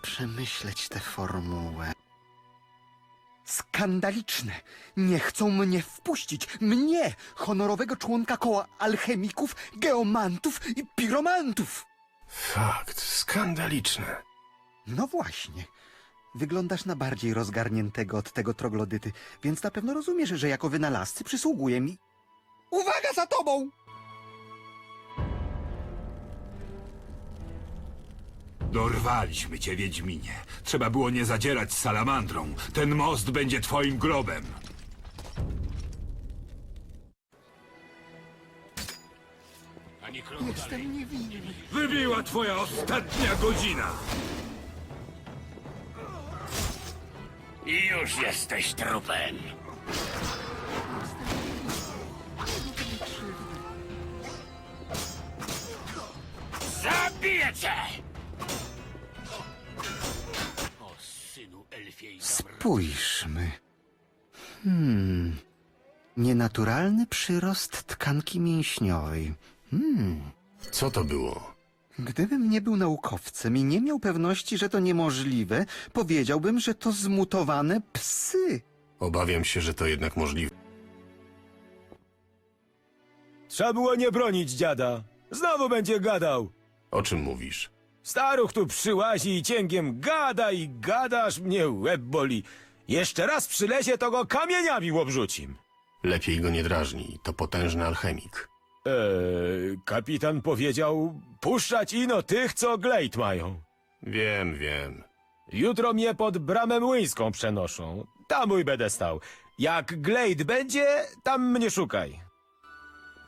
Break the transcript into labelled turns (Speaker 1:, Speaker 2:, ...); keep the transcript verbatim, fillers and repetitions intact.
Speaker 1: przemyśleć tę formułę. Skandaliczne! Nie chcą mnie wpuścić! Mnie! Honorowego członka koła alchemików, geomantów i piromantów!
Speaker 2: Fakt, skandaliczne.
Speaker 1: No właśnie. Wyglądasz na bardziej rozgarniętego od tego troglodyty, więc na pewno rozumiesz, że jako wynalazcy przysługuje mi... Uwaga za tobą!
Speaker 3: Dorwaliśmy cię, Wiedźminie. Trzeba było nie zadzierać z salamandrą. Ten most będzie twoim grobem.
Speaker 1: Jestem niewinny.
Speaker 3: Wybiła twoja ostatnia godzina.
Speaker 4: I już jesteś trupem. Zabiję cię! O synu elfiej.
Speaker 1: Spójrzmy. Hmm... Nienaturalny przyrost tkanki mięśniowej. Hmm...
Speaker 2: Co to było?
Speaker 1: Gdybym nie był naukowcem i nie miał pewności, że to niemożliwe, powiedziałbym, że to zmutowane psy.
Speaker 2: Obawiam się, że to jednak możliwe.
Speaker 5: Trzeba było nie bronić dziada. Znowu będzie gadał.
Speaker 2: O czym mówisz?
Speaker 5: Staruch tu przyłazi i cięgiem gada i gada, aż mnie łeb boli. Jeszcze raz przylezie, to go kamieniami obrzucim.
Speaker 2: Lepiej go nie drażnij, to potężny alchemik.
Speaker 5: Eee, kapitan powiedział, puszczać ino tych, co glejt mają.
Speaker 2: Wiem, wiem.
Speaker 5: Jutro mnie pod bramę młyńską przenoszą. Tam mój będę stał. Jak glejt będzie, tam mnie szukaj.